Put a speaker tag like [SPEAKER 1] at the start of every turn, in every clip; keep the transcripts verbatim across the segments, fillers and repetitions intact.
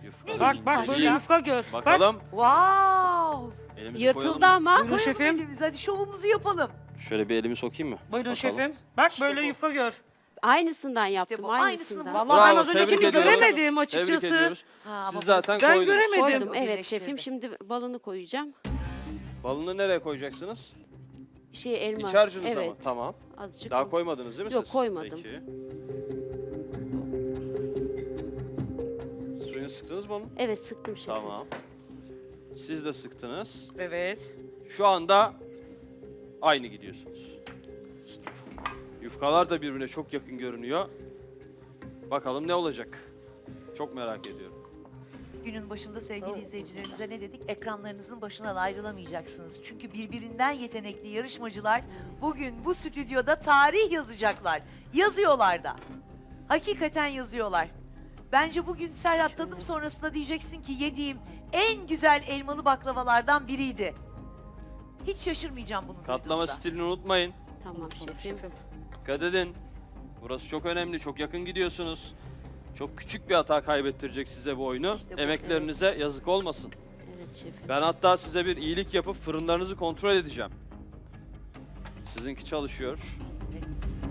[SPEAKER 1] Yufka.
[SPEAKER 2] Bak bak böyle
[SPEAKER 1] İyi.
[SPEAKER 2] yufka gör. Bak.
[SPEAKER 1] Bakalım.
[SPEAKER 3] Wow.
[SPEAKER 1] Elimizi
[SPEAKER 4] Yırtıldı
[SPEAKER 1] koyalım mı?
[SPEAKER 4] ama.
[SPEAKER 2] Buyurun
[SPEAKER 3] Koyalım
[SPEAKER 2] şefim.
[SPEAKER 3] elimizi, hadi şovumuzu yapalım.
[SPEAKER 1] Şöyle bir elimi sokayım mı?
[SPEAKER 2] Buyurun
[SPEAKER 1] Bakalım.
[SPEAKER 2] şefim. Bak
[SPEAKER 3] İşte
[SPEAKER 2] böyle
[SPEAKER 3] bu.
[SPEAKER 2] yufka gör.
[SPEAKER 4] Aynısından yaptım.
[SPEAKER 3] bu,
[SPEAKER 4] aynısından.
[SPEAKER 3] aynısını
[SPEAKER 2] Vallahi ben
[SPEAKER 1] Bravo,
[SPEAKER 2] az
[SPEAKER 1] tebrik
[SPEAKER 2] öncekini
[SPEAKER 1] ediyoruz.
[SPEAKER 2] göremedim açıkçası.
[SPEAKER 1] Tebrik ediyoruz.
[SPEAKER 3] Ha, ama
[SPEAKER 1] Siz zaten
[SPEAKER 2] Ben
[SPEAKER 1] koydunuz.
[SPEAKER 2] göremedim.
[SPEAKER 4] Koydum evet
[SPEAKER 3] Birleştirdim.
[SPEAKER 4] şefim. Şimdi balını koyacağım.
[SPEAKER 1] Balını nereye koyacaksınız?
[SPEAKER 4] Şey elma.
[SPEAKER 1] İç harcınıza
[SPEAKER 4] evet.
[SPEAKER 1] mı? Tamam.
[SPEAKER 4] Azıcık.
[SPEAKER 1] Daha
[SPEAKER 4] o-
[SPEAKER 1] koymadınız değil mi
[SPEAKER 4] Yok,
[SPEAKER 1] siz?
[SPEAKER 4] koymadım.
[SPEAKER 1] Peki. Suyunu sıktınız mı onun?
[SPEAKER 4] Evet sıktım şefim.
[SPEAKER 1] Tamam. Siz de sıktınız.
[SPEAKER 2] Evet.
[SPEAKER 1] Şu anda aynı gidiyorsunuz. Yufkalar da birbirine çok yakın görünüyor. Bakalım ne olacak? Çok merak ediyorum.
[SPEAKER 3] Günün başında sevgili izleyicilerimize ne dedik? Ekranlarınızın başından ayrılamayacaksınız. Çünkü birbirinden yetenekli yarışmacılar bugün bu stüdyoda tarih yazacaklar. Yazıyorlar da. Hakikaten yazıyorlar. Bence bugün Serhat tadım sonrasında diyeceksin ki yediğim en güzel elmalı baklavalardan biriydi. Hiç şaşırmayacağım bunu
[SPEAKER 1] Katlama
[SPEAKER 3] duyduğumda.
[SPEAKER 1] stilini unutmayın.
[SPEAKER 4] Tamam şefim.
[SPEAKER 2] Şefim.
[SPEAKER 1] Dikkat edin. Burası çok önemli. Çok yakın gidiyorsunuz. Çok küçük bir hata kaybettirecek size bu oyunu.
[SPEAKER 3] İşte bu,
[SPEAKER 1] Emeklerinize yazık olmasın.
[SPEAKER 4] Evet şefim.
[SPEAKER 1] Ben hatta size bir iyilik yapıp fırınlarınızı kontrol edeceğim. Sizinki çalışıyor.
[SPEAKER 3] Evet.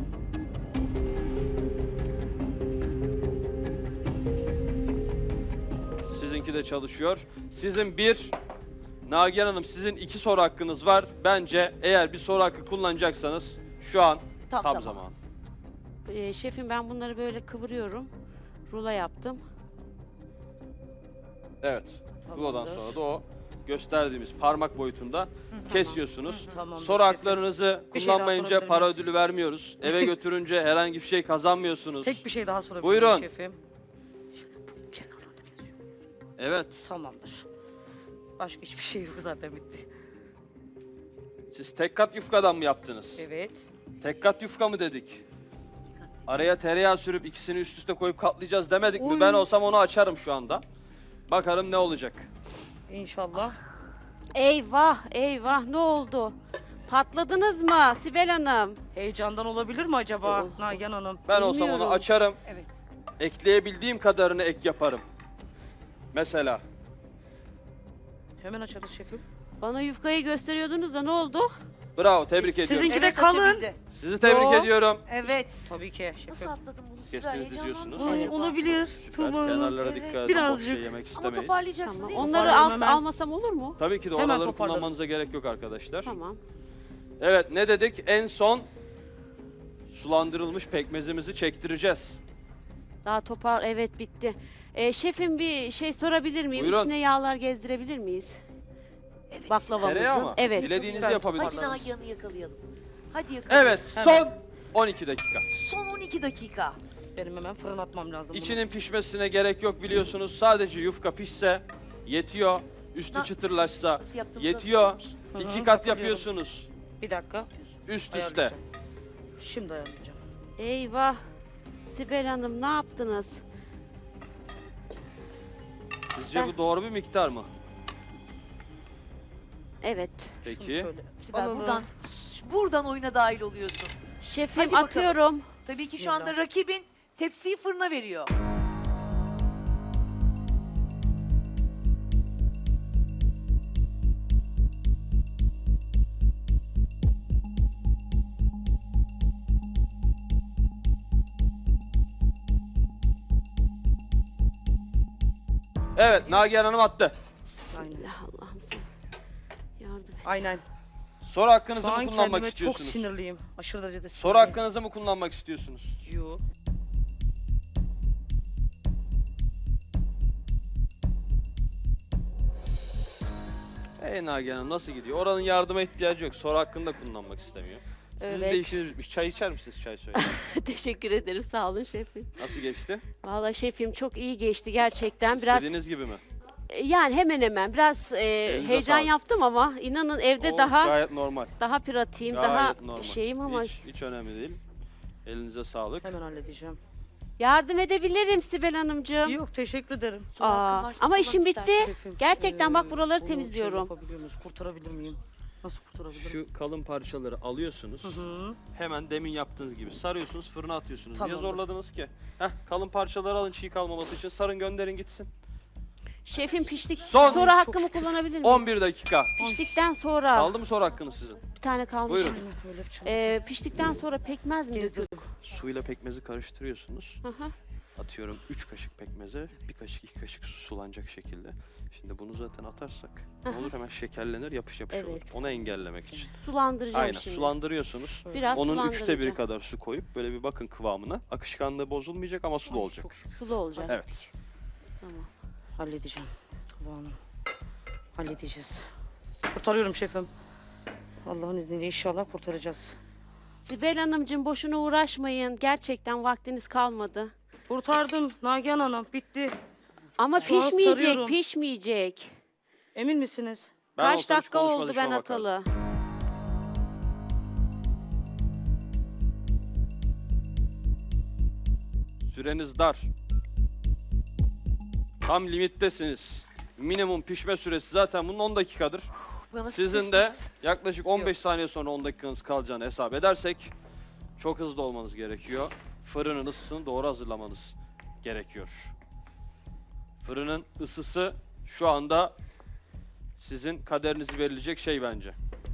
[SPEAKER 1] Sizinki de çalışıyor. Sizin bir, Nagihan Hanım sizin iki soru hakkınız var. Bence eğer bir soru hakkı kullanacaksanız şu an
[SPEAKER 3] Tam,
[SPEAKER 1] tam,
[SPEAKER 3] zaman.
[SPEAKER 1] zaman.
[SPEAKER 4] Ee, şefim ben bunları böyle kıvırıyorum. Rulo yaptım.
[SPEAKER 1] Evet. Rulodan
[SPEAKER 2] Tamamdır.
[SPEAKER 1] sonra da o gösterdiğimiz parmak boyutunda kesiyorsunuz.
[SPEAKER 2] Tamamdır
[SPEAKER 1] Soru
[SPEAKER 2] şefim.
[SPEAKER 1] haklarınızı
[SPEAKER 2] Bir şey daha
[SPEAKER 1] kullanmayınca
[SPEAKER 2] sorabilir
[SPEAKER 1] para
[SPEAKER 2] miyiz?
[SPEAKER 1] ödülü vermiyoruz. Eve götürünce herhangi bir şey kazanmıyorsunuz.
[SPEAKER 2] Tek bir şey daha sorabilirim
[SPEAKER 1] Buyurun.
[SPEAKER 2] şefim. Bu kenarlarda yazıyor.
[SPEAKER 1] Evet.
[SPEAKER 2] Tamamdır. Başka hiçbir şey yok zaten bitti.
[SPEAKER 1] Siz tek kat yufkadan mı yaptınız?
[SPEAKER 2] Evet.
[SPEAKER 1] Tek kat yufka mı dedik? Araya tereyağı sürüp ikisini üst üste koyup katlayacağız demedik mi?
[SPEAKER 2] Oy.
[SPEAKER 1] Ben olsam onu açarım şu anda. Bakarım ne olacak.
[SPEAKER 2] İnşallah.
[SPEAKER 4] Eyvah eyvah ne oldu? Patladınız mı Sibel Hanım?
[SPEAKER 2] Heyecandan olabilir mi acaba
[SPEAKER 4] Oh.
[SPEAKER 2] Nagihan Hanım?
[SPEAKER 1] Ben olsam onu
[SPEAKER 4] Bilmiyorum.
[SPEAKER 1] açarım.
[SPEAKER 3] Evet.
[SPEAKER 1] Ekleyebildiğim kadarını ek yaparım. Mesela.
[SPEAKER 2] Hemen açarız şefim.
[SPEAKER 4] Bana yufkayı gösteriyordunuz da ne oldu?
[SPEAKER 1] Bravo, tebrik
[SPEAKER 2] Sizinki
[SPEAKER 1] ediyorum.
[SPEAKER 2] de
[SPEAKER 3] Evet,
[SPEAKER 2] kalın.
[SPEAKER 3] açabildi.
[SPEAKER 1] Sizi tebrik
[SPEAKER 4] Yo.
[SPEAKER 1] ediyorum.
[SPEAKER 3] Evet.
[SPEAKER 2] Tabii ki
[SPEAKER 3] Nasıl
[SPEAKER 2] şefim.
[SPEAKER 3] atladın bunu Sibel?
[SPEAKER 1] Kestiniz,
[SPEAKER 3] Heyecanlandın
[SPEAKER 1] diziyorsunuz.
[SPEAKER 3] mı
[SPEAKER 2] Ay,
[SPEAKER 3] acaba?
[SPEAKER 2] olabilir.
[SPEAKER 1] Süper.
[SPEAKER 2] Tuğba Hanım.
[SPEAKER 1] Kenarlara
[SPEAKER 3] Evet.
[SPEAKER 1] dikkat edin. Boş
[SPEAKER 2] Birazcık.
[SPEAKER 1] şey yemek
[SPEAKER 3] Ama
[SPEAKER 1] istemeyiz.
[SPEAKER 3] toparlayacaksın
[SPEAKER 4] Tamam.
[SPEAKER 3] değil mi?
[SPEAKER 4] Onları
[SPEAKER 2] Toparlarım
[SPEAKER 4] al,
[SPEAKER 2] hemen.
[SPEAKER 4] almasam olur mu?
[SPEAKER 1] Tabii ki de
[SPEAKER 2] Hemen
[SPEAKER 1] oraları
[SPEAKER 2] toparladım.
[SPEAKER 1] kullanmanıza gerek yok arkadaşlar.
[SPEAKER 4] Tamam.
[SPEAKER 1] Evet, ne dedik? En son sulandırılmış pekmezimizi çektireceğiz.
[SPEAKER 4] Daha topar evet bitti. Ee, şefim bir şey sorabilir miyim?
[SPEAKER 1] Buyurun.
[SPEAKER 4] Üstüne yağlar gezdirebilir miyiz?
[SPEAKER 3] Evet.
[SPEAKER 4] Baklavamızın.
[SPEAKER 1] Tereyağı mı?
[SPEAKER 4] Evet.
[SPEAKER 1] Dilediğinizi
[SPEAKER 2] Hadi
[SPEAKER 3] Hadi
[SPEAKER 1] yapabilirsiniz.
[SPEAKER 3] Nagihan'ı yakalayalım. Hadi yakalayalım.
[SPEAKER 1] Evet,
[SPEAKER 2] Hemen.
[SPEAKER 1] son on iki dakika.
[SPEAKER 3] Son on iki dakika.
[SPEAKER 2] Benim hemen fırın atmam lazım. bunu.
[SPEAKER 1] İçinin pişmesine gerek yok biliyorsunuz. Sadece yufka pişse yetiyor. Üstü
[SPEAKER 3] Na-
[SPEAKER 1] çıtırlaşsa
[SPEAKER 3] Nasıl yaptığımızı
[SPEAKER 1] yetiyor.
[SPEAKER 3] hatırlıyor musun?
[SPEAKER 2] Hı hı,
[SPEAKER 1] İki kat
[SPEAKER 2] hatırlıyorum.
[SPEAKER 1] yapıyorsunuz.
[SPEAKER 2] Bir dakika.
[SPEAKER 1] Üst üste.
[SPEAKER 2] Ayarlayacağım. Şimdi ayarlayacağım.
[SPEAKER 4] Eyvah. Sibel Hanım ne yaptınız?
[SPEAKER 1] Sizce
[SPEAKER 4] Ben-
[SPEAKER 1] bu doğru bir miktar mı?
[SPEAKER 4] Evet.
[SPEAKER 2] Şunu
[SPEAKER 1] Peki.
[SPEAKER 2] şöyle
[SPEAKER 3] Sibel
[SPEAKER 2] alalım.
[SPEAKER 3] buradan buradan oyuna dahil oluyorsun.
[SPEAKER 4] Şefim
[SPEAKER 3] Hadi bakalım.
[SPEAKER 4] atıyorum.
[SPEAKER 3] Tabii ki şu anda
[SPEAKER 2] Bismillah.
[SPEAKER 3] rakibin tepsiyi fırına veriyor.
[SPEAKER 1] Evet, Nagihan Hanım attı.
[SPEAKER 2] Aynen.
[SPEAKER 4] Bismillah Allah'ım sen yardım et.
[SPEAKER 2] Aynen.
[SPEAKER 1] Soru hakkınızı
[SPEAKER 2] Şu
[SPEAKER 1] mı
[SPEAKER 2] an
[SPEAKER 1] kullanmak
[SPEAKER 2] kendime çok
[SPEAKER 1] istiyorsunuz?
[SPEAKER 2] sinirliyim. Aşırı derecede sinirliyim.
[SPEAKER 1] Soru hakkınızı mı kullanmak istiyorsunuz?
[SPEAKER 2] Yo.
[SPEAKER 1] Ey Nagihan Hanım nasıl gidiyor? Oranın yardıma ihtiyacı yok. Soru hakkında kullanmak istemiyor. Sizin
[SPEAKER 4] Evet.
[SPEAKER 1] de işiniz bitmiş. Çay içer misiniz? Çay söyle.
[SPEAKER 4] Teşekkür ederim sağ olun şefim.
[SPEAKER 1] Nasıl geçti?
[SPEAKER 4] Vallahi şefim çok iyi geçti gerçekten. Biraz
[SPEAKER 1] İstediğiniz gibi mi?
[SPEAKER 4] e, yani hemen hemen biraz e,
[SPEAKER 1] Elinize
[SPEAKER 4] heyecan
[SPEAKER 1] sağlık.
[SPEAKER 4] yaptım ama inanın evde
[SPEAKER 1] O
[SPEAKER 4] daha
[SPEAKER 1] gayet normal.
[SPEAKER 4] daha pratiğim,
[SPEAKER 1] Gayet
[SPEAKER 4] daha
[SPEAKER 1] normal.
[SPEAKER 4] şeyim ama
[SPEAKER 1] Hiç, hiç önemli değil. Elinize sağlık.
[SPEAKER 2] Hemen halledeceğim.
[SPEAKER 4] yardım edebilirim Sibel Hanımcığım.
[SPEAKER 2] Yok teşekkür ederim.
[SPEAKER 3] Soru hakkın
[SPEAKER 4] Aa,
[SPEAKER 3] varsa
[SPEAKER 4] ama
[SPEAKER 3] kullan
[SPEAKER 4] işim bitti.
[SPEAKER 3] istersen.
[SPEAKER 2] Şefim,
[SPEAKER 4] Gerçekten bak
[SPEAKER 2] eee,
[SPEAKER 4] buraları
[SPEAKER 2] bunu şey
[SPEAKER 4] temizliyorum.
[SPEAKER 2] yapabiliyor muyuz? Kurtarabilir miyim? Nasıl kurtarabilirim?
[SPEAKER 1] Şu kalın parçaları alıyorsunuz.
[SPEAKER 2] Hı hı.
[SPEAKER 1] Hemen demin yaptığınız gibi sarıyorsunuz, fırına atıyorsunuz.
[SPEAKER 2] Tamamdır.
[SPEAKER 1] Niye zorladınız ki? Heh, kalın parçaları alın çiğ kalmaması için. Sarın gönderin gitsin.
[SPEAKER 4] Şefim piştik.
[SPEAKER 1] Son-
[SPEAKER 4] Sonra hakkımı kullanabilir miyim?
[SPEAKER 1] on bir dakika.
[SPEAKER 4] Piştikten sonra
[SPEAKER 1] Kaldı mı soru hakkınız sizin?
[SPEAKER 4] bir tane kalmış.
[SPEAKER 1] Buyurun.
[SPEAKER 2] Böyle bir şey.
[SPEAKER 4] Ee, piştikten sonra pekmez mi yazdık?
[SPEAKER 1] Suyla pekmezi karıştırıyorsunuz.
[SPEAKER 4] Hı hı.
[SPEAKER 1] Atıyorum üç kaşık pekmeze, bir kaşık iki kaşık su sulanacak şekilde. Şimdi bunu zaten atarsak ne olur, hemen şekerlenir, yapış yapış olur.
[SPEAKER 4] Evet.
[SPEAKER 1] Onu engellemek için.
[SPEAKER 4] Sulandıracağım
[SPEAKER 1] Aynen,
[SPEAKER 4] şimdi.
[SPEAKER 1] sulandırıyorsunuz.
[SPEAKER 4] Biraz
[SPEAKER 1] Onun üçte
[SPEAKER 4] sulandıracağım.
[SPEAKER 1] biri kadar su koyup böyle bir bakın kıvamına. Akışkanlığı bozulmayacak ama sulu
[SPEAKER 2] Ay,
[SPEAKER 1] olacak.
[SPEAKER 2] çok
[SPEAKER 4] Sulu olacak.
[SPEAKER 1] Evet.
[SPEAKER 4] Tamam.
[SPEAKER 2] Halledeceğim. Kıvamını. Halledeceğiz. Kurtarıyorum şefim. Allah'ın izniyle inşallah kurtaracağız.
[SPEAKER 4] Sibel Hanımcığım boşuna uğraşmayın. Gerçekten vaktiniz kalmadı.
[SPEAKER 2] Kurtardım Nagihan Hanım. Bitti.
[SPEAKER 4] Ama
[SPEAKER 2] Şu an
[SPEAKER 4] pişmeyecek,
[SPEAKER 2] sarıyorum.
[SPEAKER 4] pişmeyecek.
[SPEAKER 2] Emin misiniz?
[SPEAKER 1] Ben
[SPEAKER 4] Kaç
[SPEAKER 1] olsam hiç
[SPEAKER 4] dakika
[SPEAKER 1] konuşmadan
[SPEAKER 4] oldu
[SPEAKER 1] şuna
[SPEAKER 4] ben
[SPEAKER 1] bakardım.
[SPEAKER 4] atalı?
[SPEAKER 1] Süreniz dar. Tam limittesiniz. Minimum pişme süresi zaten bunun on dakikadır.
[SPEAKER 3] Bana
[SPEAKER 1] Sizin de
[SPEAKER 3] sessiz.
[SPEAKER 1] yaklaşık on beş saniye sonra on dakikanız kalacağını hesap edersek çok hızlı olmanız gerekiyor. Fırının ısısını doğru hazırlamanız gerekiyor. Fırının ısısı şu anda sizin kaderinizi belirleyecek şey bence.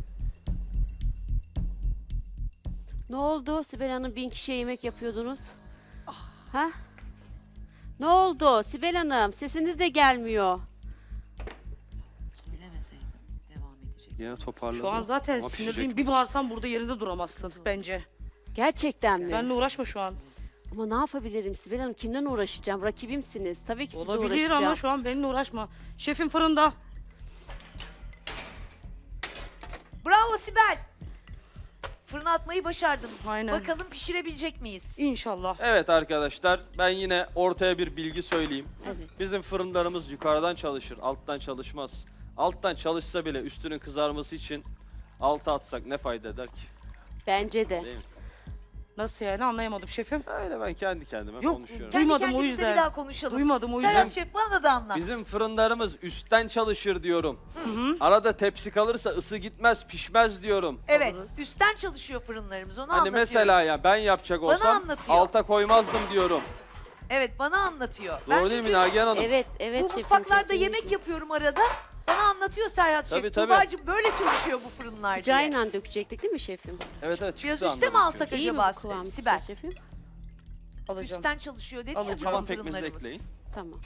[SPEAKER 4] Ne oldu? Sibel Hanım bin kişiye yemek yapıyordunuz.
[SPEAKER 3] Ah.
[SPEAKER 4] Ha? Ne oldu? Sibel Hanım sesiniz de gelmiyor.
[SPEAKER 3] Bilemeseydim devam edecek.
[SPEAKER 1] Yine toparladım.
[SPEAKER 2] Şu an zaten
[SPEAKER 1] Ama pişecek.
[SPEAKER 2] sinirliyim. Bir bağırsam burada yerinde duramazsın bence.
[SPEAKER 4] Gerçekten mi?
[SPEAKER 2] Benle uğraşma şu an.
[SPEAKER 4] Ama ne yapabilirim Sibel Hanım? Kimden uğraşacağım? Rakibimsiniz. Tabii ki sizle
[SPEAKER 2] Olabilir
[SPEAKER 4] uğraşacağım.
[SPEAKER 2] ama şu an benimle uğraşma. Şefim fırında.
[SPEAKER 3] Bravo Sibel. Fırına atmayı başardın.
[SPEAKER 2] Aynen.
[SPEAKER 3] Bakalım pişirebilecek miyiz?
[SPEAKER 2] İnşallah.
[SPEAKER 1] Evet arkadaşlar, ben yine ortaya bir bilgi söyleyeyim.
[SPEAKER 4] Evet.
[SPEAKER 1] Bizim fırınlarımız yukarıdan çalışır, alttan çalışmaz. Alttan çalışsa bile üstünün kızarması için alta atsak ne fayda eder ki?
[SPEAKER 4] Bence de.
[SPEAKER 1] Değil mi?
[SPEAKER 2] Nasıl yani anlayamadım şefim.
[SPEAKER 1] Öyle ben kendi kendime
[SPEAKER 2] Yok,
[SPEAKER 1] konuşuyorum.
[SPEAKER 3] Kendi
[SPEAKER 2] Duymadım o
[SPEAKER 3] kendimize
[SPEAKER 2] yüzden.
[SPEAKER 3] bir daha konuşalım.
[SPEAKER 2] Duymadım o yüzden.
[SPEAKER 3] Serhat Şef bana da anlat.
[SPEAKER 1] Bizim fırınlarımız üstten çalışır diyorum. Arada tepsi kalırsa ısı gitmez, pişmez diyorum.
[SPEAKER 3] Evet,
[SPEAKER 2] Alırız.
[SPEAKER 3] üstten çalışıyor fırınlarımız. Onu
[SPEAKER 1] Hani
[SPEAKER 3] anlatıyor.
[SPEAKER 1] mesela ya ben yapacak
[SPEAKER 3] Bana
[SPEAKER 1] olsam
[SPEAKER 3] anlatıyor.
[SPEAKER 1] alta koymazdım diyorum.
[SPEAKER 3] Evet, bana anlatıyor.
[SPEAKER 1] Doğru
[SPEAKER 3] ben
[SPEAKER 1] değil mi
[SPEAKER 3] çünkü
[SPEAKER 1] Nagihan Hanım?
[SPEAKER 4] Evet, evet
[SPEAKER 3] bu
[SPEAKER 4] şefim,
[SPEAKER 3] mutfaklarda
[SPEAKER 4] kesinlikle.
[SPEAKER 3] yemek yapıyorum arada. Bana anlatıyor Serhat
[SPEAKER 1] Tabii,
[SPEAKER 3] Şef.
[SPEAKER 1] tabii.
[SPEAKER 3] Tuğba'cığım böyle çalışıyor bu fırınlar diye.
[SPEAKER 4] Sıcağıyla dökecektik değil mi şefim?
[SPEAKER 1] Evet evet.
[SPEAKER 3] Biraz
[SPEAKER 1] çıktı
[SPEAKER 3] üste mi
[SPEAKER 1] anladım
[SPEAKER 3] alsak
[SPEAKER 1] çünkü.
[SPEAKER 4] İyi mi
[SPEAKER 3] acaba
[SPEAKER 4] bu kıvam
[SPEAKER 3] Sibel?
[SPEAKER 4] sizce şefim?
[SPEAKER 2] Alacağım.
[SPEAKER 3] Üstten çalışıyor dedi ya
[SPEAKER 2] Alacağım.
[SPEAKER 3] bizim
[SPEAKER 1] Kalan pekmezi de
[SPEAKER 3] fırınlarımız.
[SPEAKER 1] ekleyin.
[SPEAKER 4] Tamam.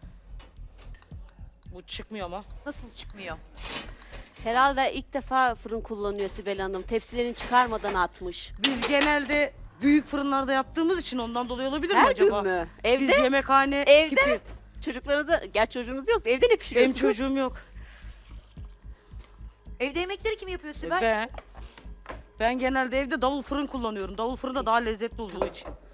[SPEAKER 2] Bu çıkmıyor ama.
[SPEAKER 3] Nasıl çıkmıyor?
[SPEAKER 4] Herhalde ilk defa fırın kullanıyor Sibel Hanım. Tepsilerini çıkarmadan atmış.
[SPEAKER 2] Biz genelde büyük fırınlarda yaptığımız için ondan dolayı olabilir mi
[SPEAKER 4] Her
[SPEAKER 2] acaba?
[SPEAKER 4] gün mü?
[SPEAKER 2] Biz
[SPEAKER 4] Evde?
[SPEAKER 2] yemekhane
[SPEAKER 4] Evde?
[SPEAKER 2] tipi.
[SPEAKER 4] Çocuklarınıza, gerçi çocuğunuz yok. Evde ne
[SPEAKER 2] Benim
[SPEAKER 4] pişiriyorsunuz?
[SPEAKER 2] çocuğum yok.
[SPEAKER 3] Evde yemekleri kim yapıyor Sibel?
[SPEAKER 2] Ben ben genelde evde davul fırın kullanıyorum. Davul fırın da daha lezzetli olduğu için.